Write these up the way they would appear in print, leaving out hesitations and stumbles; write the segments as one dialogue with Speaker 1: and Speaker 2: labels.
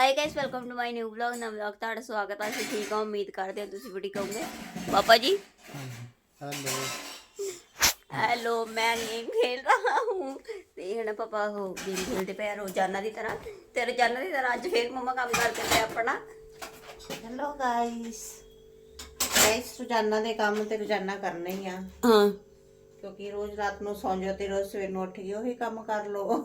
Speaker 1: Hi guys welcome to my new vlog नव vlog ਤੁਹਾਡਾ ਸਵਾਗਤ ਹੈ। ਅਸੀਂ ਠੀਕ ਹਾਂ, ਉਮੀਦ ਕਰਦੇ ਹਾਂ ਤੁਸੀਂ ਵੀ ਠੀਕ ਹੋਵੋਗੇ। पापा जी
Speaker 2: हेलो
Speaker 1: हेलो मैं गेम खेल रहा हूँ ਤੇ ਹੁਣ ਪਾਪਾ ਉਹ ਗੇਮ ਖੇਲਦੇ ਪਏ ਰੋਜ਼ਾਨਾ ਦੀ ਤਰ੍ਹਾਂ ਤੇ ਰੋਜ਼ਾਨਾ ਦੀ ਤਰ੍ਹਾਂ ਅੱਜ ਫੇਰ ਮੰਮਾ ਕੰਮ ਕਰਦੇ ਪਏ ਆਪਣਾ।
Speaker 2: हेलो गाइस रोजाना ਦੇ ਕੰਮ ਤੇ ਰੋਜ਼ਾਨਾ ਕਰਨੇ ਹੀ ਆ
Speaker 1: ਹਾਂ
Speaker 2: ਕਿਉਂਕਿ ਰੋਜ਼ ਰਾਤ ਨੂੰ ਸੌਂ ਜਾਓ ਤੇ ਰੋਜ਼ ਸਵੇਰ ਨੂੰ ਉੱਠ ਕੇ ਉਹੀ ਕੰਮ ਕਰ ਲਓ।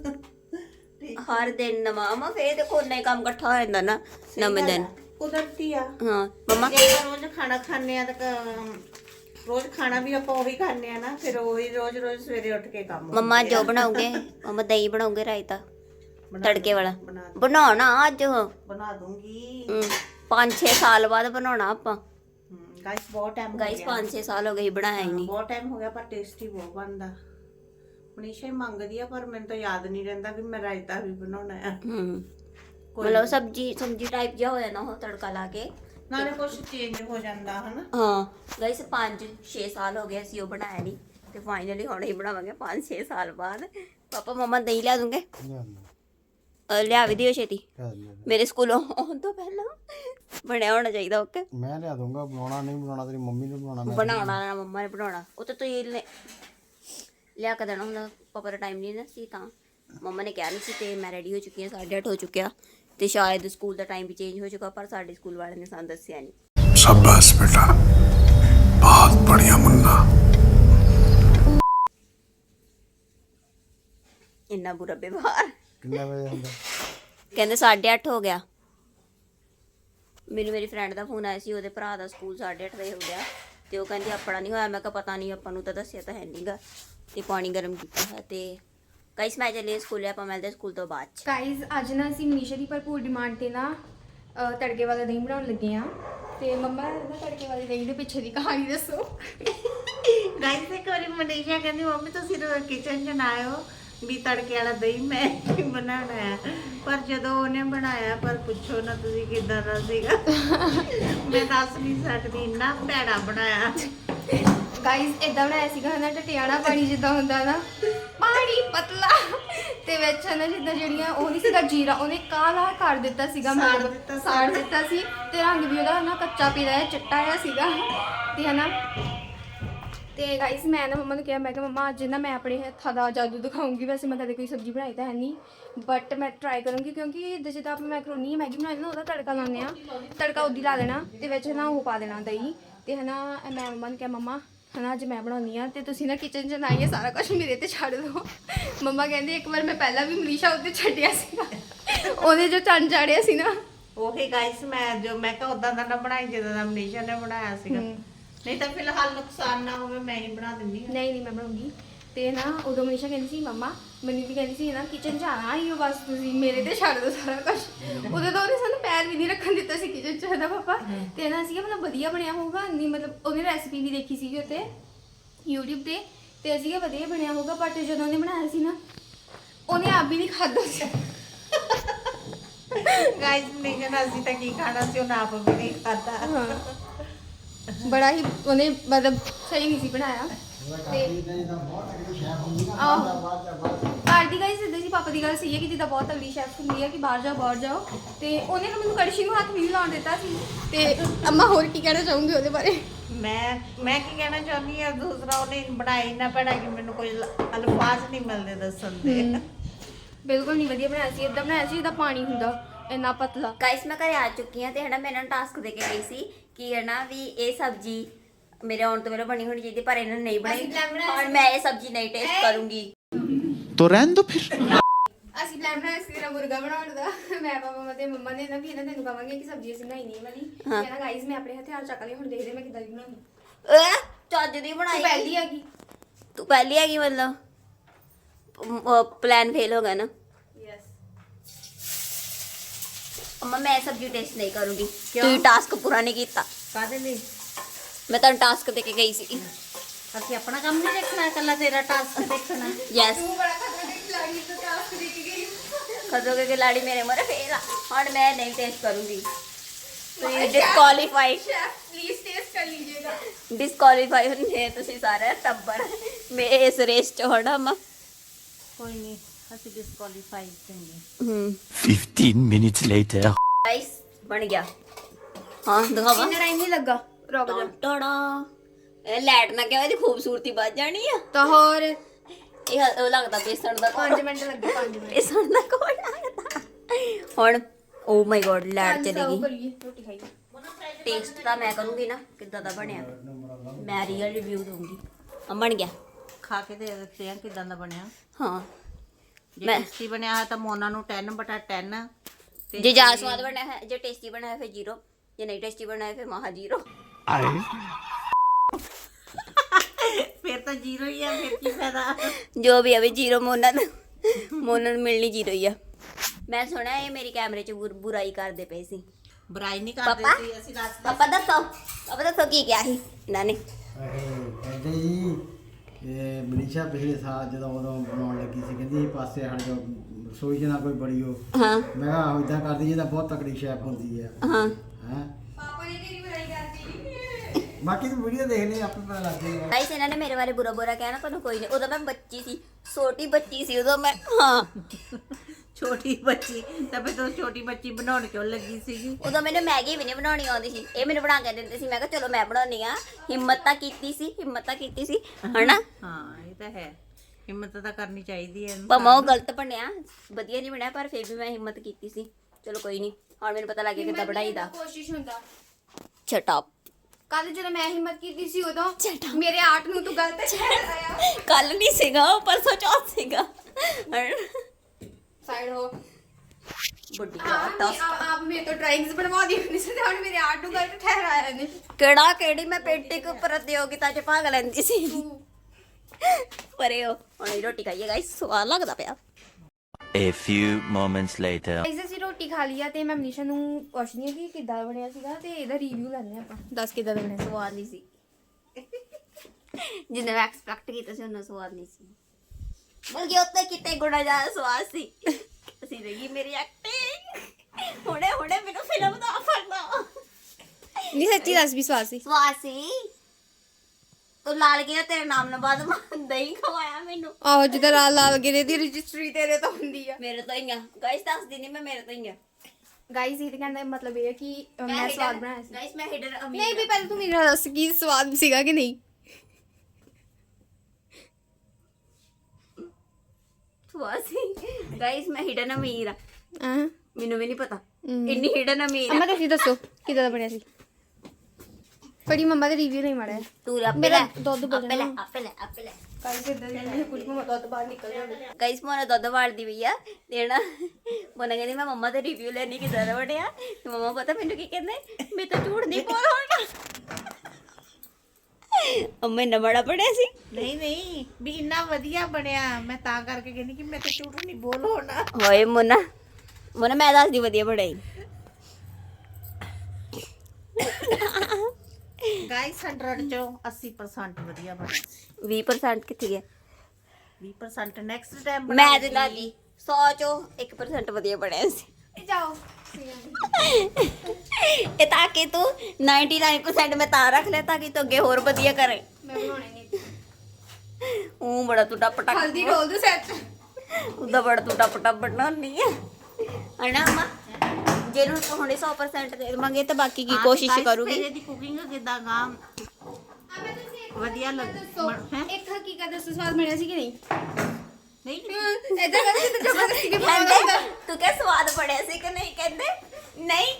Speaker 1: ਹਰ ਦਿਨ ਨਵਾਂ ਅਮਾ ਫੇਰ ਦੇਖੋ ਨਵੇਂ ਕੰਮ ਇਕੱਠਾ ਹੋ ਜਾਂਦਾ ਨਾ ਨਵੇਂ ਦਿਨ
Speaker 2: ਕੁਦਰਤੀ ਆ।
Speaker 1: ਹਾਂ ਮੰਮਾ
Speaker 2: ਜੇ ਆਪਾਂ ਰੋਜ਼ ਖਾਣਾ ਖਾਣੇ ਆ ਤਾਂ ਰੋਜ਼ ਖਾਣਾ ਵੀ ਆਪਾਂ ਉਹੀ ਖਾਣੇ ਆ ਨਾ, ਫਿਰ ਉਹੀ ਰੋਜ਼ ਰੋਜ਼ ਸਵੇਰੇ ਉੱਠ ਕੇ ਕੰਮ
Speaker 1: ਮੰਮਾ ਜੋ ਬਣਾਉਂਗੇ ਮੰਮਾ ਦਹੀਂ ਬਣਾਉਂਗੇ ਰਾਇਤਾ ਤੜਕੇ ਵਾਲਾ
Speaker 2: ਬਣਾ
Speaker 1: ਬਣਾਉਣਾ ਅੱਜ
Speaker 2: ਬਣਾ ਦੂੰਗੀ।
Speaker 1: 5-6 ਸਾਲ ਬਾਅਦ ਬਣਾਉਣਾ ਆਪਾਂ।
Speaker 2: ਗਾइस ਬਹੁਤ ਟਾਈਮ
Speaker 1: ਗਾइस 5-6 ਸਾਲ ਹੋ ਗਏ ਬਣਾਇਆ ਹੀ ਨਹੀਂ।
Speaker 2: ਬਹੁਤ ਟਾਈਮ ਹੋ ਗਿਆ ਪਰ ਟੇਸਟੀ ਬਹੁਤ ਬਣਦਾ। ਮਨੀਸ਼ਾ ਹੀ ਮੰਗਦੀ ਆ ਪਰ ਮੈਨੂੰ ਤਾਂ ਯਾਦ ਨਹੀਂ ਰਹਿੰਦਾ ਕਿ ਮੈਂ ਰਾਇਤਾ ਵੀ ਬਣਾਉਣਾ ਆ।
Speaker 1: ਮਤਲਬ ਸਬਜੀ ਟਾਈਪ ਜਿਹਾ ਹੋ ਜਾਂਦਾ ਉਹ ਤੜਕਾ ਲਾ ਕੇ
Speaker 2: ਨਾਲੇ ਕੁਝ ਚੇਂਜ ਹੋ ਜਾਂਦਾ ਹਨਾ।
Speaker 1: ਹਾਂ ਗਾइस 5-6 ਸਾਲ ਹੋ ਗਏ ਅਸੀਂ ਉਹ ਬਣਾਇਆ ਨਹੀਂ ਤੇ ਫਾਈਨਲੀ ਹੁਣ ਹੀ ਬਣਾਵਾਂਗੇ 5-6 ਸਾਲ ਬਾਅਦ। ਪਾਪਾ ਮਮਾ ਦਹੀਂ ਲਿਆ ਦੂੰਗੇ ਲਿਆ ਵੀ ਦਿਓ ਛੇਤੀ ਮੇਰੇ ਸਕੂਲੋਂ ਆਉਣ ਤੋਂ ਪਹਿਲਾਂ ਬਣਿਆ ਹੋਣਾ ਚਾਹੀਦਾ। ਓਕੇ
Speaker 3: ਮੈਂ ਲਿਆ ਦੂੰਗਾ। ਬਣਾਉਣਾ ਨਹੀਂ ਬਣਾਉਣਾ ਤੇਰੀ ਮੰਮੀ ਨੂੰ ਬਣਾਉਣਾ।
Speaker 1: ਬਣਾਉਣਾ ਨਾ ਮੰਮਾ ਨੇ ਬਣਾਉਣਾ ਉਹ ਤਾਂ ਤੁਸੀਂ ਲਿਆ ਕੇ ਦੇਣਾ ਹੁੰਦਾ। ਪਾਪਾ ਦਾ ਟਾਈਮ ਨਹੀਂ ਨਾ ਸੀ ਤਾਂ ਮੰਮਾ ਨੇ ਕਿਹਾ ਨਹੀਂ ਸੀ ਤੇ ਮੈਂ ਰੈਡੀ ਹੋ ਚੁੱਕੀ ਹਾਂ 8:30 ਹੋ ਚੁੱਕਿਆ ਤੇ ਸ਼ਾਇਦ ਸਕੂਲ ਦਾ ਟਾਈਮ ਵੀ ਚੇਂਜ ਹੋ ਚੁੱਕਾ ਪਰ ਸਾਡੇ ਸਕੂਲ ਵਾਲਿਆਂ ਨੇ ਸਾਨੂੰ ਦੱਸਿਆ ਨਹੀਂ।
Speaker 3: शाबाश बेटा बहुत बढ़िया मुन्ना।
Speaker 1: ਇੰਨਾ ਬੁਰਾ ਵਿਵਹਾਰ।
Speaker 3: कितने बजे ਹੁੰਦਾ?
Speaker 1: ਕਹਿੰਦੇ 8:30 ਹੋ ਗਿਆ। ਮੈਨੂੰ ਮੇਰੀ ਫਰੈਂਡ ਦਾ ਫੋਨ ਆਇਆ ਸੀ ਉਹਦੇ ਭਰਾ ਦਾ ਸਕੂਲ 8:30 ਵਜੇ ਹੋ ਗਿਆ ਤੇ ਉਹ ਕਹਿੰਦੀ ਆਪਣਾ ਨਹੀਂ ਹੋਇਆ। ਮੈਂ ਕਿਹਾ ਪਤਾ ਨਹੀਂ ਆਪਾਂ ਨੂੰ ਤਾਂ ਦੱਸਿਆ ਤਾਂ ਹੈ ਨਹੀਂਗਾ ਤੇ ਪਾਣੀ ਗਰਮ ਕੀਤਾ ਹੈ ਤੇ ਗਾइस ਮੈਂ ਚੱਲੀ ਸਕੂਲ ਆਪਾਂ ਮਿਲਦੇ ਸਕੂਲ ਤੋਂ ਬਾਅਦ ਚ।
Speaker 4: ਗਾਈਜ਼ ਅੱਜ ਨਾ ਅਸੀਂ ਮਨੀਸ਼ਾ ਦੀ ਭਰਪੂਰ ਡਿਮਾਂਡ ਤੇ ਨਾ ਤੜਕੇ ਵਾਲਾ ਦਹੀਂ ਬਣਾਉਣ ਲੱਗੇ ਆ ਤੇ ਮੰਮਾ ਨਾ ਤੜਕੇ ਵਾਲੇ ਦਹੀਂ ਦੇ ਪਿੱਛੇ ਦੀ ਕਹਾਣੀ ਦੱਸੋ।
Speaker 2: ਗਾਇਸ ਇੱਕ ਵਾਰੀ ਮਨੀਸ਼ਾ ਕਹਿੰਦੀ ਮੰਮੀ ਤੁਸੀਂ ਕਿਚਨ 'ਚ ਨਾ ਆਇਓ ਵੀ ਤੜਕੇ ਵਾਲਾ ਦਹੀਂ ਮੈਂ ਬਣਾਉਣਾ ਹੈ। ਪਰ ਜਦੋਂ ਉਹਨੇ ਬਣਾਇਆ ਪਰ ਪੁੱਛੋ ਨਾ ਤੁਸੀਂ ਕਿੱਦਾਂ ਦਾ ਸੀਗਾ। ਮੈਂ ਦੱਸ ਨਹੀਂ ਸਕਦੀ ਇੰਨਾ ਭੈੜਾ ਬਣਾਇਆ।
Speaker 4: ਗਾਈਜ਼ ਇਦਾਂ ਬਣਾਇਆ ਸੀਗਾ ਨਾ ਟਟਿਆਣਾ ਪਾਣੀ ਜਿੱਦਾਂ ਹੁੰਦਾ ਨਾ ਪਾਣੀ ਪਤਲਾ ਤੇ ਵਿੱਚ ਨਾ ਜਿੱਦਾਂ ਜਿਹੜੀਆਂ ਉਹ ਨਹੀਂ ਸੀਗਾ ਜੀਰਾ ਉਹਨੇ ਕਾਲਾ ਕਰ ਦਿੱਤਾ ਸੀਗਾ ਮਤਲਬ ਸਾੜ ਦਿੱਤਾ ਸੀ ਤੇ ਰੰਗ ਵੀ ਉਹਦਾ ਨਾ ਕੱਚਾ ਪੀਲਾ ਜਿਹਾ ਚਿੱਟਾ ਜਿਹਾ ਸੀਗਾ ਤੇ ਹਨਾ ਤੇ ਗਾਈਸ ਮੈਂ ਨਾ ਮੰਮਾ ਨੂੰ ਕਿਹਾ ਮੈਂ ਕਿਹਾ ਮੰਮਾ ਅੱਜ ਨਾ ਮੈਂ ਆਪਣੇ ਹੱਥਾਂ ਦਾ ਜਾਦੂ ਦਿਖਾਉਂਗੀ। ਵੈਸੇ ਮੈਂ ਕਦੇ ਕੋਈ ਸਬਜ਼ੀ ਬਣਾਈ ਤਾਂ ਹੈ ਨਹੀਂ ਬਟ ਮੈਂ ਟਰਾਈ ਕਰੂੰਗੀ ਕਿਉਂਕਿ ਜਿੱਦਾਂ ਆਪਾਂ ਮੈਕਰੋਨੀ ਮੈਗੀ ਬਣਾਈ ਨਾ ਉਹਦਾ ਤੜਕਾ ਲਾਉਂਦੇ ਆ ਤੜਕਾ ਉੱਦੀ ਲਾ ਦੇਣਾ ਤੇ ਵਿੱਚ ਨਾ ਉਹ ਪਾ ਦੇਣਾ ਦਹੀਂ ਤੇ ਹਨਾ ਮੈਂ ਮੰਮਾ ਨੂੰ ਕਿਹਾ ਮੰਮਾ ਹਨਾ ਅੱਜ ਮੈਂ ਬਣਾਉਂਦੀ ਆ ਤੇ ਤੁਸੀਂ ਨਾ ਕਿਚਨ 'ਚ ਨਾ ਆਈਏ ਸਾਰਾ ਕੁਝ ਮੇਰੇ ਤੇ ਛੱਡ ਦਿਓ। ਮੰਮਾ ਕਹਿੰਦੇ ਇੱਕ ਵਾਰ ਮੈਂ ਪਹਿਲਾਂ ਵੀ ਮਨੀਸ਼ਾ ਉੱਤੇ ਛੱਡਿਆ ਸੀਗਾ ਉਹਦੇ ਜੋ ਚੰਨ ਚਾੜਿਆ ਸੀ ਨਾ
Speaker 2: ਉਹੀ ਗਾਇਸ ਮੈਂ ਕਿਹਾ ਉਦਾਂ ਦਾ ਨਾ ਬਣਾਈ ਜਿੱਦਾਂ ਦਾ ਮਨੀਸ਼ਾ ਨੇ ਬਣਾਇਆ ਸੀਗਾ। ਨਹੀਂ ਤਾਂ ਫਿਲਹਾਲ ਨੁਕਸਾਨ ਨਾ ਹੋਵੇ ਮੈਂ ਹੀ ਬਣਾ ਦਿੰਦੀ ਹਾਂ।
Speaker 4: ਨਹੀਂ ਮੈਂ ਬਣਾਉਂਗੀ ਤੇ ਨਾ ਉਦੋਂ ਮਨੀਸ਼ਾ ਕਹਿੰਦੀ ਸੀ ਮੰਮਾ ਮੈਨੂੰ ਵੀ ਕਹਿੰਦੀ ਸੀ ਨਾ ਕਿਚਨ 'ਚ ਆਣਾ ਹੀ ਬਸ ਤੁਸੀਂ ਮੇਰੇ ਤੇ ਛੱਡ ਦਿਓ ਸਾਰਾ ਕੁਝ। ਉਦੋਂ ਤਾਂ ਉਹਨੇ ਸਾਨੂੰ ਪੈਰ ਵੀ ਨਹੀਂ ਰੱਖਣ ਦਿੱਤਾ ਸੀ ਕਿਚਨ 'ਚ ਨਾ ਪਾਪਾ ਤੇ ਨਾ ਸੀਗਾ ਮਤਲਬ ਵਧੀਆ ਬਣਿਆ ਹੋਊਗਾ ਨਹੀਂ ਮਤਲਬ ਉਹਨੇ ਰੈਸਿਪੀ ਵੀ ਦੇਖੀ ਸੀਗੀ ਉੱਤੇ YouTube ਤੇ ਅਸੀਂ ਕਿਹਾ ਵਧੀਆ ਬਣਿਆ ਹੋਊਗਾ ਬਟ ਜਦੋਂ ਉਹਨੇ ਬਣਾਇਆ ਸੀ ਨਾ ਉਹਨੇ ਆਪ ਵੀ ਨਹੀਂ ਖਾਧਾ ਸੀ।
Speaker 2: ਗਾਇਸ ਮਨੀਸ਼ਾ ਨੇ ਅਸੀਂ ਤਾਂ ਕੀ ਖਾਣਾ ਸੀ ਉਹ ਆਪ ਵੀ ਨਹੀਂ ਖਾਧਾ।
Speaker 4: ਬੜਾ ਹੀ ਉਹਨੇ ਮਤਲਬ ਸਹੀ ਨਹੀਂ ਸੀ ਬਣਾਇਆ ਤੇ ਘਰ ਦੀ ਗਾਈਸ ਸਿੱਧੀ ਸੀ ਪਾਪਾ ਦੀ ਗੱਲ ਸਹੀ ਹੈ ਕਿ ਜਿੱਦਾਂ ਬਹੁਤ ਤਗੜੀ ਸ਼ੈਫ ਹੁੰਦੀ ਹੈ ਕਿ ਬਾਹਰ ਜਾਓ ਤੇ ਉਹਨੇ ਨਾ ਮੈਨੂੰ ਕੜਛੀ ਨੂੰ ਹੱਥ ਵੀ ਨਹੀਂ ਲਾਉਣ ਦਿੱਤਾ ਸੀ ਤੇ ਅੰਮਾ ਹੋਰ ਕੀ ਕਹਿਣਾ ਚਾਹੂੰਗੀ ਉਹਦੇ ਬਾਰੇ।
Speaker 2: ਮੈਂ ਕੀ ਕਹਿਣਾ ਚਾਹੁੰਦੀ ਆ ਦੂਸਰਾ ਉਹਨੇ ਬਣਾਈ ਨਾ ਪੜਾ ਕਿ ਮੈਨੂੰ ਕੋਈ ਅਲਫਾਜ਼ ਨਹੀਂ ਮਿਲਦੇ ਦੱਸਣ ਦੇ।
Speaker 4: ਬਿਲਕੁਲ ਨਹੀਂ ਵਧੀਆ ਬਣਾਇਆ ਸੀ ਇਦਾਂ ਬਣਾਇਆ ਸੀ ਜਿੱਦਾਂ ਪਾਣੀ ਹੁੰਦਾ ਇੰਨਾ ਪਤਲਾ।
Speaker 1: ਗਾइस ਮੈਂ ਘਰੇ ਆ ਚੁੱਕੀ ਹਾਂ ਤੇ ਹਨਾ ਮੈਂ ਇਹਨਾਂ ਨੂੰ ਟਾਸਕ ਦੇ ਕੇ ਗਈ ਸੀ ਕਿ ਹਨਾ ਵੀ ਇਹ ਸਬਜੀ ਮੇਰੇ ਆਉਣ ਤੋਂ ਪਹਿਲਾਂ ਬਣੀ ਹੋਣੀ ਚਾਹੀਦੀ ਪਰ ਇਹਨਾਂ ਨੇ ਨਹੀਂ ਬਣਾਈ ਔਰ ਮੈਂ ਇਹ ਸਬਜੀ ਨਹੀਂ ਟੇਸਟ ਕਰੂੰਗੀ।
Speaker 3: तो रहने दो फिर।
Speaker 4: ਅਸੀਂ ਪਲਾਨ ਬਣਾਇਆ ਸੀ ਤੇਰਾ ਮੁਰਗਾ ਬਣਾਉਣ ਦਾ ਮੈਂ ਪਾਪਾ ਤੇ ਮੰਮਾ ਨੇ ਨਾ ਵੀ ਇਹਨਾਂ ਤੈਨੂੰ ਕਹਾਂਗੇ ਕਿ ਸਬਜ਼ੀ ਅਸੀਂ ਬਣਾਈ ਨਹੀਂ ਵਾਲੀ ਕਹਿੰਦਾ ਗਾਈਸ ਮੈਂ ਆਪਣੇ ਹਥਿਆਰ ਚੱਕ ਲਏ ਹੁਣ ਦੇਖਦੇ ਮੈਂ ਕਿੱਦਾਂ ਦੀ ਬਣਾਉਂਗੀ।
Speaker 1: ਚੱਜ ਦੀ ਬਣਾਈ
Speaker 4: ਤੂੰ ਪਹਿਲੀ ਹੈਗੀ
Speaker 1: ਤੂੰ ਪਹਿਲੀ ਹੈਗੀ ਮਤਲਬ ਪਲਾਨ ਫੇਲ ਹੋ ਗਿਆ ਨਾ। अम्मा मैं सब्जी टेस्ट नहीं करूंगी तू टास्क पूरा नहीं किया।
Speaker 2: ਕਾਹਦੇ ਲਈ
Speaker 1: मैं तेन टास्क दे के गई सी।
Speaker 2: ਅਸੀਂ ਆਪਣਾ ਕੰਮ ਨਹੀਂ ਦੇਖਣਾ ਇਕੱਲਾ ਤੇਰਾ ਟਾਸਕ ਦੇਖਣਾ।
Speaker 1: यस
Speaker 4: ਤੂੰ ਬੜਾ ਖਤਰੇ ਦੀ ਖਿਲਾੜੀ ਤੋਂ ਟਾਸਕ ਦੇ ਕੇ ਗਈ
Speaker 1: खजोगे के लाड़ी मेरे मोरे फेल और मैं नहीं टेस्ट करूंगी तो ये डिस्क्वालीफाइड
Speaker 4: शेफ प्लीज टेस्ट कर लीजिएगा।
Speaker 1: डिस्क्वालीफाई होने तुसी सारे टब्बर मैं इस रेस च होना अम्मा
Speaker 2: ਕੋਈ ਨਹੀਂ ਅਸੀਂ ਡਿਸਕੁਆਲੀਫਾਈ ਕਰਾਂਗੇ।
Speaker 5: 15 minutes later.
Speaker 1: ਗਾਇਸ ਬਣ ਗਿਆ। ਹਾਂ ਦਿਖਾਵਾ।
Speaker 4: ਇੰਨਾ ਟਾਈਮ ਨਹੀਂ ਲੱਗਾ, ਰੁਕ ਜਾ।
Speaker 1: ਟੜਾ ਇਹ ਲਾਈਟ ਨਾ ਕਿਹਾ ਇਹਦੀ ਖੂਬਸੂਰਤੀ ਵੱਧ ਜਾਣੀ ਆ।
Speaker 4: ਤਾਂ ਹੋਰ
Speaker 1: ਇਹ ਉਹ ਲੱਗਦਾ ਬੇਸਣ ਦਾ
Speaker 4: 5 ਮਿੰਟ ਲੱਗੇ, 5 ਮਿੰਟ।
Speaker 1: ਬੇਸਣ ਦਾ ਕੋਲ ਲੱਗਦਾ। ਹੁਣ ਓ ਮਾਈ ਗॉड ਲਾਈਟ ਚਲੀ ਗਈ।
Speaker 4: ਕਰੀਏ ਰੋਟੀ ਖਾਈਏ।
Speaker 1: ਟੇਸਟ ਤਾਂ ਮੈਂ ਕਰੂੰਗੀ ਨਾ ਕਿੱਦਾਂ ਦਾ ਬਣਿਆ, ਮੈਂ ਰੀਅਲ ਰਿਵਿਊ ਦਊਂਗੀ। ਬਣ ਗਿਆ,
Speaker 2: ਖਾ ਕੇ ਦੇ ਦਿੱਤੇ ਆ ਕਿਦਾਂ ਦਾ ਬਣਿਆ।
Speaker 1: ਹਾਂ
Speaker 2: ਜੇ
Speaker 1: ਮੈਂ
Speaker 2: ਟੇਸਟੀ ਬਣਿਆ ਹੈ ਤਾਂ ਮੋਨਾ ਨੂੰ 10/10 ਤੇ
Speaker 1: ਜੇ ਜ਼ਿਆਦਾ ਸਵਾਦ ਬਣਿਆ ਹੈ, ਜੇ ਟੇਸਟੀ ਬਣਾਇਆ ਫਿਰ 0, ਜੇ ਨਹੀਂ ਟੇਸਟੀ ਬਣਾਇਆ ਫਿਰ ਮਹਾ 0।
Speaker 2: ਫਿਰ ਤਾਂ 0 ਹੀ ਆ, ਫਿਰ ਕੀ ਫਾਇਦਾ।
Speaker 1: ਜੋ ਵੀ ਆ ਵੀ 0 ਮੋਨਾ ਨੂੰ ਮਿਲਣੀ 0 ਹੀ ਆ। ਮੈਂ ਸੁਣਿਆ ਇਹ ਮੇਰੀ ਕੈਮਰੇ 'ਚ ਬੁਰਾਈ ਕਰਦੇ ਪਏ ਸੀ।
Speaker 2: ਬੁਰਾਈ ਨਹੀਂ ਕਰਦੇ
Speaker 1: ਪਾਪਾ?
Speaker 2: ਸੀ ਅਸੀਂ ਦੱਸਦੇ।
Speaker 1: ਪਾਪਾ ਦੱਸੋ ਕੀ ਕਿਹਾ ਸੀ ਇਹਨਾਂ ਨੇ?
Speaker 6: ਕਹਿੰਦੇ ਜੀ ਇਹ ਮਨੀਸ਼ਾ ਪਿਛਲੇ ਸਾਲ ਜਦੋਂ ਉਦੋਂ ਬਣਾਉਣ ਲੱਗੀ ਸੀ, ਕਹਿੰਦੀ ਪਾਸੇ ਹਟ ਜਾਓ, ਰਸੋਈ 'ਚ ਨਾ ਕੋਈ ਬੜੀ ਹੋ।
Speaker 1: ਹਾਂ
Speaker 6: ਮੈਂ ਕਿਹਾ ਇਦਾਂ ਕਰਦੀ ਜੀ ਤਾਂ ਬਹੁਤ ਤਕੜੀ ਸ਼ੈਫ ਹੁੰਦੀ ਹੈ।
Speaker 1: ਹਾਂ
Speaker 6: ਹੈਂ
Speaker 4: ਪਾਪਾ ਨੇ ਤੇਰੀ ਬੁਰਾਈ ਕਰਤੀ।
Speaker 6: ਬਾਕੀ ਤੂੰ ਵੀਡੀਓ ਦੇਖ ਲਈ, ਆਪੇ ਪਤਾ ਲੱਗ ਜਾਏਗਾ।
Speaker 1: ਗਾਇਸ ਇਹਨਾਂ ਨੇ ਮੇਰੇ ਬਾਰੇ ਬੁਰਾ ਕਹਿਣਾ, ਤੁਹਾਨੂੰ ਕੋਈ ਨਹੀਂ। ਉਦੋਂ ਮੈਂ ਬੱਚੀ ਸੀ, ਛੋਟੀ ਬੱਚੀ ਸੀ ਉਦੋਂ ਮੈਂ। ਹਾਂ
Speaker 2: ਛੋਟੀ ਬੱਚੀ ਤਾਂ ਫਿਰ ਤੂੰ ਛੋਟੀ ਬੱਚੀ ਬਣਾਉਣ ਕਿਉਂ ਲੱਗੀ ਸੀਗੀ?
Speaker 1: ਉਦੋਂ ਮੈਨੂੰ ਮੈਗੀ ਵੀ ਨਹੀਂ ਬਣਾਉਣੀ ਆਉਂਦੀ ਸੀ, ਇਹ ਮੈਨੂੰ ਬਣਾ ਕੇ ਦਿੰਦੇ ਸੀ। ਮੈਂ ਕਿਹਾ ਚਲੋ ਮੈਂ ਬਣਾਉਣੀ ਆ। ਹਿੰਮਤ ਤਾਂ ਕੀਤੀ ਸੀ ਹਨਾ।
Speaker 2: ਹਾਂ ਇਹ ਤਾਂ ਹੈ, ਹਿੰਮਤ ਤਾਂ ਕਰਨੀ ਚਾਹੀਦੀ ਹੈ।
Speaker 1: ਭਾਵੇਂ ਉਹ ਗਲਤ ਬਣਿਆ, ਵਧੀਆ ਨਹੀਂ ਬਣਿਆ, ਪਰ ਫਿਰ ਵੀ ਮੈਂ ਹਿੰਮਤ ਕੀਤੀ ਸੀ। ਚਲੋ ਕੋਈ ਨਹੀਂ, ਹੁਣ ਮੈਨੂੰ ਪਤਾ ਲੱਗ ਗਿਆ ਕਿੱਦਾਂ ਬਣਾਈ ਦਾ।
Speaker 4: ਕੋਸ਼ਿਸ਼ ਹੁੰਦਾ।
Speaker 1: Shut up.
Speaker 4: ਕੱਲ ਜਦੋਂ ਮੈਂ ਹਿੰਮਤ ਕੀਤੀ ਸੀ ਉਦੋਂ ਮੇਰੇ ਆਰਟ ਨੂੰ ਤੂੰ ਗਲਤ ਠਹਿਰਾਇਆ।
Speaker 1: ਕੱਲ ਨਹੀਂ ਸੀਗਾ, ਪਰਸੋਂ ਚੌਥ ਸੀਗਾ।
Speaker 4: ਸਾਈਡ ਹੋ।
Speaker 1: ਬੁੱਢੀ
Speaker 4: ਆਪ ਮੇਰੇ ਤੋਂ ਡਰਾਇੰਗਸ ਬਣਵਾਉਂਦੀ ਹੁੰਦੀ ਸੀ ਤੇ ਹੁਣ ਮੇਰੇ ਆਰਟ ਨੂੰ ਗਲਤ ਠਹਿਰਾਇਆ ਨੇ।
Speaker 1: ਕਿਹੜੀ ਮੈਂ ਪੇਂਟਿੰਗ ਪ੍ਰਤੀਯੋਗਿਤਾ 'ਚ ਭਾਗ ਲੈਂਦੀ ਸੀ। ਪਰੇ ਹੋ, ਹੁਣ ਇਹ ਰੋਟੀ ਖਾਈਏ ਗਾਇਸ, ਸਵਾਦ ਲੱਗਦਾ ਪਿਆ।
Speaker 5: A few moments later.
Speaker 4: Guys ਅਸੀਂ ਰੋਟੀ ਖਾ ਲਈ ਆ ਤੇ ਮੈਂ ਮਨੀਸ਼ਾ ਨੂੰ ਪੁੱਛਦੀ ਹਾਂ ਕਿ ਕਿੱਦਾਂ ਬਣਿਆ ਸੀਗਾ ਤੇ ਇਹਦਾ ਰਿਵਿਊ ਲੈਣੇ ਆਪਾਂ। ਦੱਸ ਕਿੱਦਾਂ ਦਾ ਬਣਿਆ।
Speaker 1: ਸਵਾਦ ਨਹੀਂ ਸੀ ਜਿੰਨਾ ਮੈਂ ਐਕਸਪੈਕਟ ਕੀਤਾ ਸੀ, ਉਹਨਾਂ ਸਵਾਦ ਨਹੀਂ ਸੀ। ਬਲਕਿ ਉੱਤੇ ਕਿਤੇ ਗੁਣਾ ਜ਼ਿਆਦਾ ਸਵਾਦ ਸੀ। ਅਸੀਂ ਰਹੀ ਮੇਰੀ ਐਕਟਿੰਗ। ਹੁਣੇ ਮੈਨੂੰ ਫਿਲਮ ਦਾ ਆਫਰ ਦੋ।
Speaker 4: ਨਹੀਂ ਸੱਚੀ ਦੱਸ ਵੀ ਸਵਾਦ ਸੀ।
Speaker 1: ਸਵਾਦ ਸੀ। ਤੂੰ ਲਾਲ ਗਿਆ ਤੇਰੇ ਨਾਮ ਨਾਲ ਬਾਅਦ ਦਹੀਂ ਖਵਾਇਆ ਮੈਨੂੰ।
Speaker 4: ਆਹੋ ਜਿੱਦਾਂ ਲਾਲ ਗਿਰੇ ਦੀ ਰਜਿਸਟਰੀ ਤੇਰੇ ਤੋਂ ਹੁੰਦੀ ਆ।
Speaker 1: ਮੇਰੇ ਤੋਂ ਹੀ ਆ ਗਾਇਸ, ਦੱਸਦੀ ਨਹੀਂ ਮੈਂ, ਮੇਰੇ ਤੋਂ ਹੀ ਆ
Speaker 4: ਗਾਇਸ ਇਹ ਤਾਂ ਕਹਿੰਦਾ ਮਤਲਬ ਇਹ ਹੈ ਕਿ ਮੈਂ ਸਵਾਦ ਬਣਾਇਆ ਸੀ।
Speaker 1: ਗਾਇਸ ਮੈਂ ਹਿਡਨ ਅਮੀਰ
Speaker 4: ਨਹੀਂ ਵੀ ਪਹਿਲਾਂ ਤੂੰ ਮੇਰੇ ਨਾਲ ਦੱਸ ਕੀ ਸਵਾਦ ਸੀਗਾ ਕਿ ਨਹੀਂ।
Speaker 1: ਸਵਾਦ ਸੀ ਗਾਇਸ, ਮੈਂ ਹਿਡਨ ਅਮੀਰ ਆ।
Speaker 4: ਹਾਂ
Speaker 1: ਮੈਨੂੰ ਵੀ ਨਹੀਂ ਪਤਾ ਇੰਨੀ ਹਿਡਨ ਅਮੀਰ
Speaker 4: ਅੰਮਾ
Speaker 1: ਆ।
Speaker 4: ਤੁਸੀਂ ਦੱਸੋ ਕਿੱਦਾਂ ਦਾ ਬਣਿਆ ਸੀ। ਬੜੀ ਮੰਮਾ ਦਾ ਰਿਵਿਊ ਨਹੀਂ ਮਾੜਾ ਹੈ।
Speaker 1: ਤੂੰ ਆਪੇ
Speaker 4: ਮੇਰਾ
Speaker 1: ਲੈ
Speaker 4: ਦੁੱਧ ਬੋਲ
Speaker 1: ਆਪੇ ਲੈ ਆਪੇ ਲੈ
Speaker 4: ਕੱਲ ਕਿੱਦਾਂ ਦੀ ਕੁਝ ਮੰਮਾ ਦੁੱਧ ਬਾਹਰ ਨਿਕਲ ਜਾਵੇ।
Speaker 1: ਗਾਇਸ ਮੋਨਾ ਦੁੱਧ ਵਾਲਦੀ ਪਈ ਆ ਦੇਣਾ। ਮੋਨਾ ਕਹਿੰਦੀ ਮੈਂ ਮੰਮਾ ਦਾ ਰਿਵਿਊ ਲੈਣੀ ਕਿਦਾਂ ਦਾ ਬਣਿਆ। ਤੇ ਮੰਮਾ ਪਤਾ ਮੈਨੂੰ ਕੀ ਕਹਿੰਦੇ, ਮੈਂ ਤਾਂ ਝੂਠ ਨਹੀਂ ਬੋਲ ਹੋਣਾ। ਅੰਮਾ ਇੰਨਾ ਬੜਾ ਬਣਿਆ ਸੀ।
Speaker 2: ਨਹੀਂ ਵੀ ਇੰਨਾ ਵਧੀਆ ਬਣਿਆ, ਮੈਂ ਤਾਂ ਕਰਕੇ ਕਹਿੰਦੀ ਕਿ ਮੈਂ ਤਾਂ ਝੂਠ ਨਹੀਂ ਬੋਲ ਹੋਣਾ।
Speaker 1: ਹੋਏ ਮੋਨਾ ਮੈਂ ਦੱਸਦੀ ਵਧੀਆ ਬਣਾਈ।
Speaker 2: ਗਾਇਸ 100 ਚੋਂ 80% ਵਧੀਆ ਬਣਿਆ ਸੀ।
Speaker 1: 20% ਕਿੱਥੇ ਗਿਆ?
Speaker 2: 20% ਨੈਕਸਟ ਟਾਈਮ
Speaker 1: ਮੈਂ ਤੇ ਦਾਦੀ 100 ਚੋਂ 1% ਵਧੀਆ ਬਣਿਆ ਸੀ।
Speaker 4: ਜਾਓ
Speaker 1: ਇਹ ਤਾਂ ਕਿ ਤੂੰ 99% ਮੈਂ ਤਾਂ ਰੱਖ ਲਿਆ ਤਾਂ ਕਿ ਤੂੰ ਅੱਗੇ ਹੋਰ ਵਧੀਆ ਕਰੇ।
Speaker 4: ਮੈਂ ਬਣਾਉਣੇ ਨਹੀਂ।
Speaker 1: ਉਹ ਬੜਾ ਤੂੰ ਟਪ ਟਪ
Speaker 4: ਹਲਦੀ ਰੋਲ ਦੋ ਸੈੱਟ।
Speaker 1: ਉਹਦਾ ਬੜਾ ਤੂੰ ਟਪ ਟਪ ਬਣਾਉਣੀ ਆ ਹਨਾ ਅੰਮਾ। ਜੇ ਨੂੰ ਹੁਣੇ 100% ਦੇ ਦੇਵਾਂਗੇ ਤਾਂ ਬਾਕੀ ਕੀ ਕੋਸ਼ਿਸ਼ ਕਰੂਗੀ।
Speaker 2: ਇਹਦੀ ਕੁਕਿੰਗ ਕਿਦਾਂ ਗਾ ਵਧੀਆ ਲੱਗ ਹੈ।
Speaker 4: ਇੱਕ ਹਕੀਕਤ ਦੱਸੋ ਸਵਾਦ ਬਣਿਆ ਸੀ ਕਿ ਨਹੀਂ।
Speaker 2: ਨਹੀਂ
Speaker 4: ਇਦਾਂ ਕਰਦੇ ਤੇ ਜ਼ਬਰਦਸਤੀ ਕੇ
Speaker 1: ਕਹਿੰਦੇ ਤੂੰ ਕਿਹ ਸਵਾਦ ਬਣਿਆ ਸੀ ਕਿ ਨਹੀਂ? ਕਹਿੰਦੇ ਨਹੀਂ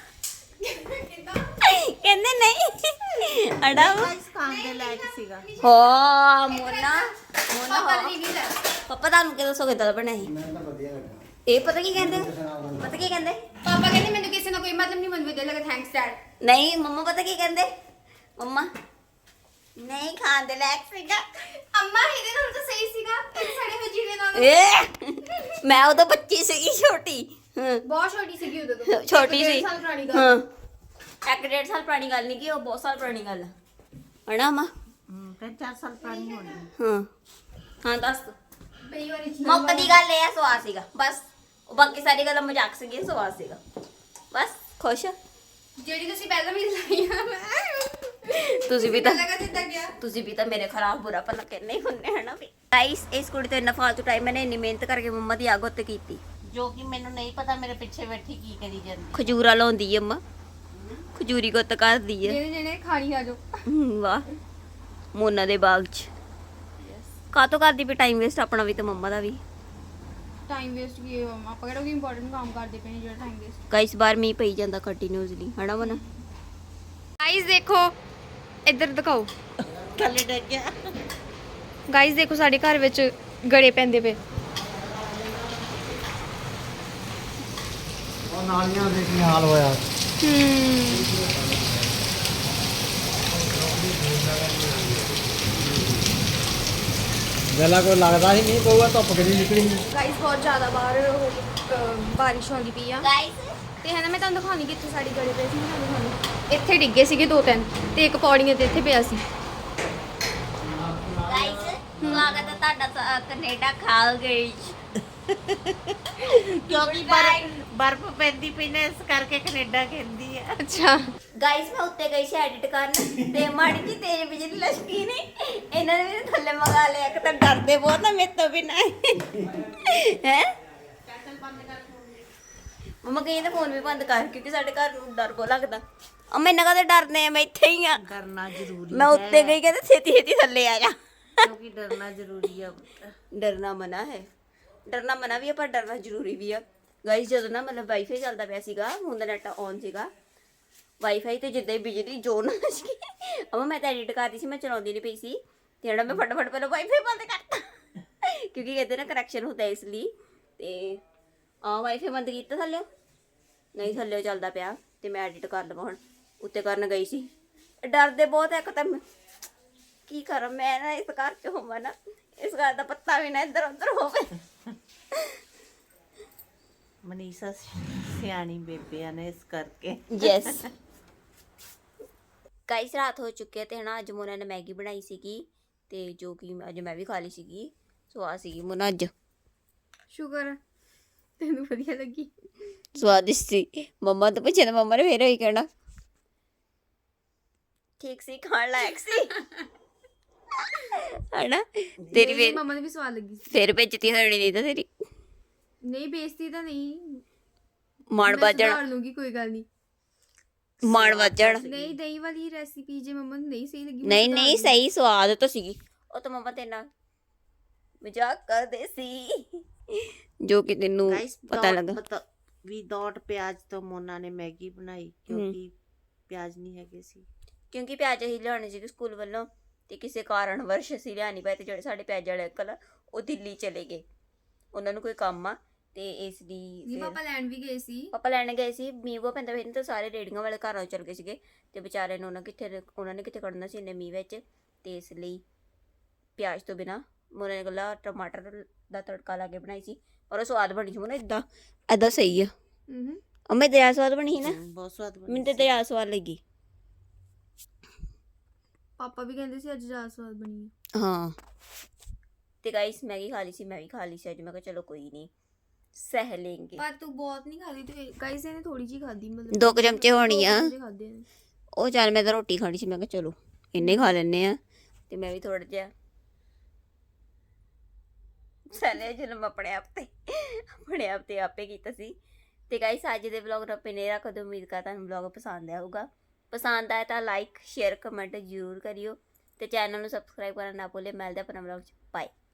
Speaker 1: ਕਹਿੰਦੇ ਨਹੀਂ ਅੜਾ
Speaker 2: ਗਾਇਸ ਖਾਣ ਦੇ ਲਾਇਕ ਸੀਗਾ।
Speaker 1: ਹੋ ਮੋਨਾ
Speaker 4: ਪਾਪਾ ਦੀ ਰਿਵਿਊ ਲੈ।
Speaker 1: ਪਾਪਾ ਤੁਹਾਨੂੰ ਕਿਹ ਦੱਸੋ ਕਿੱਦਾਂ ਦਾ ਬਣਿਆ ਸੀ?
Speaker 6: ਮੈਨੂੰ ਤਾਂ ਵਧੀਆ ਲੱਗਾ।
Speaker 1: ਇਹ ਪਤਾ ਕੀ ਕਹਿੰਦੇ
Speaker 4: ਪਾਪਾ ਕਹਿੰਦੇ ਮੈਨੂੰ ਕਿਸੇ ਨਾਲ ਕੋਈ ਮਤਲਬ ਨਹੀਂ, ਮੈਨੂੰ ਵਧੀਆ ਲੱਗਾ ਥੈਂਕਸ ਡੈਡ।
Speaker 1: ਨਹੀਂ ਮੰਮਾ ਪਤਾ ਕੀ ਕਹਿੰਦੇ? ਮੰਮਾ ਨਹੀਂ ਖਾਣ ਦੇ ਲਾਇਕ ਸੀਗਾ।
Speaker 4: ਅੰਮਾ ਇਹਦੇ ਨਾਲ ਤਾਂ ਸਹੀ ਸੀਗਾ ਤੇ ਸਾਡੇ ਵਜੀਰੇ ਨਾਲ
Speaker 1: ਏ ਮੈਂ ਉਦੋਂ ਬੱਚੀ ਸੀਗੀ ਛੋਟੀ। ਹਾਂ
Speaker 4: ਬਹੁਤ ਛੋਟੀ ਸੀਗੀ ਉਦੋਂ ਤੋਂ।
Speaker 1: ਛੋਟੀ ਸੀ।
Speaker 4: 1.5 ਸਾਲ ਪੁਰਾਣੀ ਗੱਲ।
Speaker 1: ਹਾਂ 1.5 ਸਾਲ ਪੁਰਾਣੀ ਗੱਲ ਨਹੀਂ ਕੀ, ਉਹ ਬਹੁਤ ਸਾਲ ਪੁਰਾਣੀ ਗੱਲ ਹੈ ਨਾ ਮਾਂ।
Speaker 2: 3-4 ਸਾਲ ਪੁਰਾਣੀ ਹੋਣੀ।
Speaker 1: ਹਾਂ ਦੱਸ।
Speaker 4: ਪਹਿਲੀ ਵਾਰੀ
Speaker 1: ਮੁੱਕ ਦੀ ਗੱਲ ਇਹ ਆ, ਸਵਾਦ ਸੀਗਾ ਬਸ। ਉਹ ਬਾਕੀ ਸਾਰੀ ਗੱਲਾਂ ਮਜ਼ਾਕ ਸੀਗੀ, ਸਵਾਦ ਸੀਗਾ ਬਸ। ਖੁਸ਼
Speaker 4: ਜਿਹੜੀ ਤੁਸੀਂ ਪਹਿਲਾਂ ਵੀ ਲਾਈਆਂ ਮੈਂ
Speaker 1: ਤੁਸੀਂ ਵੀ ਤਾਂ
Speaker 4: ਲਗਾ ਦਿੱਤਾ ਗਿਆ।
Speaker 1: ਤੁਸੀਂ ਵੀ ਤਾਂ ਮੇਰੇ ਖਰਾਬ ਬੁਰਾ ਭਲਾ ਕਹਿੰਦੇ ਹੀ ਹੁੰਦੇ ਹਨਾ ਵੀ ਗਾਈਸ ਇਸ ਕੁੜੀ ਤੋਂ ਇੰਨਾ ਫਾਲਤੂ ਟਾਈਮ ਮੈंने ਇੰਨੀ ਮਿਹਨਤ ਕਰਕੇ ਮੰਮਾ ਦੀ ਆਗੋ ਤੇ ਕੀਤੀ
Speaker 2: ਜੋ ਕਿ ਮੈਨੂੰ ਨਹੀਂ ਪਤਾ ਮੇਰੇ ਪਿੱਛੇ ਬੈਠੀ ਕੀ ਕਰੀ ਜਾਂਦੀ।
Speaker 1: ਖਜੂਰਾ ਲਾਉਂਦੀ ਏ ਅੰਮਾ ਖਜੂਰੀ ਗੁੱਤ ਕਰਦੀ ਏ
Speaker 4: ਜਿਹਨੇ ਜਿਹਨੇ ਖਾਣੀ ਆ ਜੋ।
Speaker 1: ਵਾਹ ਮੋਨਾ ਦੇ ਬਾਗ 'ਚ ਕਾਤੋਂ ਕਰਦੀ ਵੀ ਟਾਈਮ ਵੇਸਟ ਆਪਣਾ ਵੀ ਤੇ ਮੰਮਾ ਦਾ ਵੀ
Speaker 4: ਟਾਈਮ ਵੇਸਟ ਕੀ ਹੈ ਮਮਾ, ਆਪਾਂ ਕਿਹੜਾ ਕੋਈ ਇੰਪੋਰਟੈਂਟ ਕੰਮ ਕਰਦੇ ਪਏ ਨੇ ਜਿਹੜਾ ਟਾਈਮ ਵੇਸਟ।
Speaker 1: ਗਾਈਸ ਬਾਹਰ ਮੀਂਹ ਪਈ ਜਾਂਦਾ ਕੰਟੀਨਿਊਸਲੀ ਹਨਾ ਮਨਾ
Speaker 4: ਗਾਈਸ ਦੇਖੋ ਇੱਧਰ ਦਿਖਾਓ।
Speaker 2: ਥੱਲੇ ਡਿੱਗ ਗਿਆ।
Speaker 4: ਗਾਈਸ ਦੇਖੋ ਸਾਡੇ ਘਰ ਵਿੱਚ ਗੜੇ ਪੈਂਦੇ ਪਏ।
Speaker 6: ਉਹ ਨਾਲੀਆਂ ਦੇ ਕੀ ਹਾਲ ਹੋਇਆ। ਜਲਾ ਕੋਈ ਲੱਗਦਾ ਹੀ ਨਹੀਂ ਪਊਗਾ, ਧੁੱਪ ਕਿਹੜੀ ਨਿਕਲੀ।
Speaker 4: ਗਾਈਸ ਬਹੁਤ ਜ਼ਿਆਦਾ ਬਾਹਰ ਬਾਰਿਸ਼ ਹੁੰਦੀ ਪਈ ਆ
Speaker 1: ਗਾਈਸ
Speaker 4: ਤੇ ਹੈ ਨਾ ਮੈਂ ਤੁਹਾਨੂੰ ਦਿਖਾਉਣੀ ਕਿੱਥੇ ਸਾਡੇ ਗੜੇ ਪਏ ਸੀ। ਮੈਂ ਤੁਹਾਨੂੰ ਦਿਖਾਉਣੀ ਇੱਥੇ ਡਿੱਗੇ ਸੀਗੇ 2-3 ਤੇ ਇੱਕ ਪੌੜੀਆਂ ਤੇ ਇੱਥੇ ਪਿਆ ਸੀ।
Speaker 1: ਗਾਈਸ ਸਵਾਗਤ ਹੈ ਤੁਹਾਡਾ ਕੈਨੇਡਾ ਖਾਲ ਗਈ
Speaker 2: ਕਿਉਂਕਿ ਬਰਫ਼ ਪੈਂਦੀ ਪਈ ਨਾ ਇਸ ਕਰਕੇ ਕੈਨੇਡਾ ਕਹਿੰਦੀ ਆ।
Speaker 4: ਅੱਛਾ
Speaker 1: ਗਾਈਸ ਮੈਂ ਉੱਤੇ ਗਈ ਸੀ ਐਡਿਟ ਕਰਨ ਤੇ ਮਾੜੀ ਜੀ ਤੇਜ਼ ਬਿਜਲੀ ਲਸ਼ਕੀ ਨੇ ਇਹਨਾਂ ਨੇ ਮੈਨੂੰ ਥੱਲੇ ਮੰਗਾ ਲਿਆ ਕਿ ਤਾਂ ਡਰਦੇ ਬਹੁਤ ਨਾ ਮੇਰੇ ਤੋਂ ਬਿਨਾਂ ਹੈ ਮਮਾ ਕਹਿੰਦੇ ਫੋਨ ਵੀ ਬੰਦ ਕਰ ਕਿਉਂਕਿ ਸਾਡੇ ਘਰ ਨੂੰ ਡਰ ਬਹੁਤ ਲੱਗਦਾ ਅੰਮਾ ਇਹਨਾਂ ਕਦੇ ਡਰਨੇ ਆ ਮੈਂ ਇੱਥੇ ਹੀ ਆ
Speaker 2: ਡਰਨਾ ਜ਼ਰੂਰੀ
Speaker 1: ਮੈਂ ਉੱਤੇ ਗਈ ਕਹਿੰਦੇ ਛੇਤੀ ਛੇਤੀ ਥੱਲੇ ਆ ਜਾ
Speaker 2: ਕਿਉਂਕਿ ਡਰਨਾ ਜ਼ਰੂਰੀ ਆ।
Speaker 1: ਡਰਨਾ ਮਨਾ ਹੈ ਡਰਨਾ ਮਨਾ ਵੀ ਆ ਪਰ ਡਰਨਾ ਜ਼ਰੂਰੀ ਵੀ ਆ ਗਾਈਸ ਜਦੋਂ ਨਾ ਮਤਲਬ ਵਾਈਫਾਈ ਚੱਲਦਾ ਪਿਆ ਸੀਗਾ ਹੁਣ ਦਾ ਨੈਟ ਔਨ ਸੀਗਾ ਵਾਈਫਾਈ ਤੇ ਜਿੱਦਾਂ ਹੀ ਬਿਜਲੀ ਜ਼ੋਰ ਨਾਲ ਲੱਗੀ ਅਮਾ ਮੈਂ ਤਾਂ ਐਡਿਟ ਕਰਦੀ ਸੀ ਮੈਂ ਚਲਾਉਂਦੀ ਨਹੀਂ ਪਈ ਸੀ ਤੇ ਜਿਹੜਾ ਮੈਂ ਫਟਾਫਟ ਪਹਿਲਾਂ ਵਾਈਫਾਈ ਬੰਦ ਕਰਤਾ ਕਿਉਂਕਿ ਕਹਿੰਦੇ ਨਾ ਕਰੈਕਸ਼ਨ ਹੁੰਦਾ ਇਸ ਲਈ ਤੇ ਵਾਈਫਾਈ ਬੰਦ ਕੀਤਾ ਥੱਲੇ ਨਹੀਂ ਥੱਲੇ ਚੱਲਦਾ ਪਿਆ ਤੇ ਮੈਂ ਐਡਿਟ ਕਰ ਲਵਾਂ ਹੁਣ ਉੱਤੇ ਕਰਨ ਗਈ ਸੀ ਡਰਦੇ ਬਹੁਤ ਇੱਕ ਤਾਂ ਕੀ ਕਰਾਂ ਮੈਂ ਨਾ ਇਸ ਘਰ ਚ ਹੋਵਾਂ ਨਾ ਇਸ ਘਰ ਦਾ ਪੱਤਾ ਵੀ ਨਾ ਇੱਧਰ ਉੱਧਰ ਹੋਵੇ
Speaker 2: ਮਨੀਸ਼ਾ ਸਿਆਣੀ ਬੇਬੇ ਨੇ ਇਸ ਕਰਕੇ।
Speaker 1: ਯੈਸ ਗਾਈਸ ਰਾਤ ਹੋ ਚੁੱਕੀ ਹੈ ਤੇ ਹਨਾ ਅੱਜ ਮੋਨਾ ਨੇ ਮੈਗੀ ਬਣਾਈ ਸੀਗੀ ਤੇ ਜੋ ਕਿ ਅੱਜ ਮੈਂ ਵੀ ਖਾ ਲਈ ਸੀਗੀ ਸਵਾਦ ਸੀਗੀ ਮੋਨਾ ਅੱਜ
Speaker 4: ਸ਼ੁਕਰ ਹੈ ਤੈਨੂੰ ਵਧੀਆ ਲੱਗੀ।
Speaker 1: ਸਵਾਦਿਸ਼ਟ ਸੀ ਮੰਮਾ ਤੋਂ ਪੁੱਛਿਆ ਤਾਂ ਮੰਮਾ ਨੇ ਫੇਰ ਉਹੀ ਕਹਿਣਾ ਠੀਕ ਸੀ ਖਾਣ ਲਾਇਕ ਸੀ ਹਨਾ ਤੇਰੀ ਫੇਰ
Speaker 4: ਮਮਾ ਨੂੰ ਵੀ ਸਵਾਦ ਲੱਗੀ ਸੀ।
Speaker 1: ਫੇਰ ਭੇਜਤੀ ਹੋਣੀ ਨਹੀਂ ਤਾਂ ਤੇਰੀ
Speaker 4: ਨਹੀਂ ਬੇਇੱਜ਼ਤੀ ਤਾਂ ਨਹੀਂ
Speaker 1: ਮਾਣ
Speaker 4: ਮੈਂ
Speaker 1: ਵੱਜਣ
Speaker 4: ਸੁਧਾਰ ਲੂੰਗੀ ਕੋਈ ਗੱਲ ਨਹੀਂ।
Speaker 1: ਮਾਣ ਵੱਜਣ
Speaker 4: ਨਹੀਂ ਦਹੀਂ ਵਾਲੀ ਰੈਸਿਪੀ ਜੇ ਮਮਾ ਨੂੰ ਨਹੀਂ ਸਹੀ ਲੱਗੀ ਮੈਂ
Speaker 1: ਨਹੀਂ
Speaker 4: ਸੁਧਾਰ
Speaker 1: ਨਹੀਂ
Speaker 4: ਲੂੰਗੀ।
Speaker 1: ਸਹੀ ਸਵਾਦ ਤਾਂ ਸੀਗੀ ਉਹ ਤਾਂ ਮੰਮਾ ਤੇਰੇ ਨਾਲ ਮਜ਼ਾਕ ਕਰਦੇ ਸੀ ਜੋ ਕਿ ਤੈਨੂੰ ਪਤਾ ਲੱਗਾ
Speaker 2: ਵਿਦਆਊਟ ਪਿਆਜ਼ ਤੋਂ ਮੋਨਾ ਨੇ ਮੈਗੀ ਬਣਾਈ ਕਿਉਂਕਿ ਪਿਆਜ਼ ਨਹੀਂ ਹੈਗੇ ਸੀ
Speaker 1: ਕਿਉਂਕਿ ਪਿਆਜ਼ ਅਸੀਂ ਲਿਆਉਣੇ ਸੀਗੇ ਸਕੂਲ ਵੱਲੋਂ ਤੇ ਕਿਸੇ ਕਾਰਨ ਵਰਸ਼ ਅਸੀਂ ਲਿਆ ਨਹੀਂ ਪਏ ਤੇ ਜਿਹੜੇ ਸਾਡੇ ਪਿਆਜ਼ ਵਾਲੇ ਅੰਕਲ ਉਹ ਦਿੱਲੀ ਚਲੇ ਗਏ ਉਹਨਾਂ ਨੂੰ ਕੋਈ ਕੰਮ ਆ ਤੇ ਇਸ ਦੀ
Speaker 4: ਨਹੀਂ ਪਾਪਾ ਲੈਣ ਵੀ ਗਏ ਸੀ।
Speaker 1: ਪਾਪਾ ਲੈਣ ਗਏ ਸੀ ਮੀਂਹ ਬਹੁਤ ਪੈਂਦਾ ਫਿਰ ਤਾਂ ਸਾਰੇ ਰੇੜੀਆਂ ਵਾਲੇ ਘਰਾਂ ਚਲ ਗਏ ਸੀਗੇ ਤੇ ਵਿਚਾਰੇ ਨੂੰ ਉਹਨਾਂ ਨੇ ਕਿੱਥੇ ਕੱਢਣਾ ਸੀ ਇੰਨੇ ਮੀਂਹ ਵਿੱਚ ਤੇ ਇਸ ਲਈ ਪਿਆਜ਼ ਤੋਂ ਬਿਨਾ ਮੋਨਾ ਨੇ ਗੱਲਾਂ ਟਮਾਟਰ ਦਾ ਤੜਕਾ ਲਾ ਕੇ ਬਣਾਈ ਸੀ ਪਰ ਉਹ ਸਵਾਦ ਬਣੀ ਸੀ ਮੋਨਾ ਏਦਾਂ ਸਹੀ ਆ ਅੰਮਾ ਦਰਿਆ ਸਵਾਦ ਬਣੀ ਸੀ ਨਾ
Speaker 2: ਬਹੁਤ ਸਵਾਦ ਬਣੀ
Speaker 1: ਮੈਨੂੰ ਤੇ ਦਰਿਆ ਸਵਾਦ ਲੱਗੀ
Speaker 4: ਪਾਪਾ ਵੀ ਕਹਿੰਦੇ ਸੀ ਅੱਜ ਜ਼ਿਆਦਾ ਸਵਾਦ ਬਣੀ ਹੈ।
Speaker 1: ਹਾਂ ਤੇ ਗਾਈਸ ਮੈਗੀ ਖਾ ਲਈ ਸੀ ਮੈਂ ਵੀ ਖਾ ਲਈ ਸੀ ਅੱਜ ਮੈਂ ਕਿਹਾ ਚਲੋ ਕੋਈ ਨਹੀਂ ਸਹਿ ਲੇਂਗੇ
Speaker 4: ਪਰ ਤੂੰ ਬਹੁਤ ਨਹੀਂ ਖਾਦੀ ਤੇ ਗਾਈਸ ਇਹਨੇ ਥੋੜੀ ਜੀ ਖਾਦੀ ਮਤਲਬ
Speaker 1: 2 ਚਮਚੇ ਹੋਣੀ ਆ
Speaker 4: ਦੋ ਚਮਚੇ ਖਾਧੇ ਨੇ।
Speaker 1: ਉਹ ਚੱਲ ਮੈਂ ਤਾਂ ਰੋਟੀ ਖਾਣੀ ਸੀ ਮੈਂ ਕਿਹਾ ਚਲੋ ਇੰਨੇ ਖਾ ਲੈਣੇ ਆ ਤੇ ਮੈਂ ਵੀ ਥੋੜਾ ਜਿਹਾ ਸਹਿਲੇ ਜਨਮ ਆਪਣੇ ਆਪ ਤੇ ਆਪੇ ਕੀਤਾ ਸੀ ਤੇ ਗਾਈਸ ਅੱਜ ਦੇ ਵਲੌਗ ਨੂੰ ਆਪਣੇ ਰੱਖ ਦਿਓ ਉਮੀਦ ਕਰਦਾ ਤੁਹਾਨੂੰ ਵਲੌਗ ਪਸੰਦ ਆਇਆ ਹੋਊਗਾ ਪਸੰਦ ਆਇਆ ਤਾਂ ਲਾਈਕ ਸ਼ੇਅਰ ਕਮੈਂਟ ਜ਼ਰੂਰ ਕਰਿਓ ਤੇ ਚੈਨਲ ਨੂੰ ਸਬਸਕ੍ਰਾਈਬ ਕਰਨਾ ਨਾ ਭੁੱਲੇ ਮਿਲਦੇ ਆਪਣਾ ਵਲੌਗ ਚ ਬਾਏ।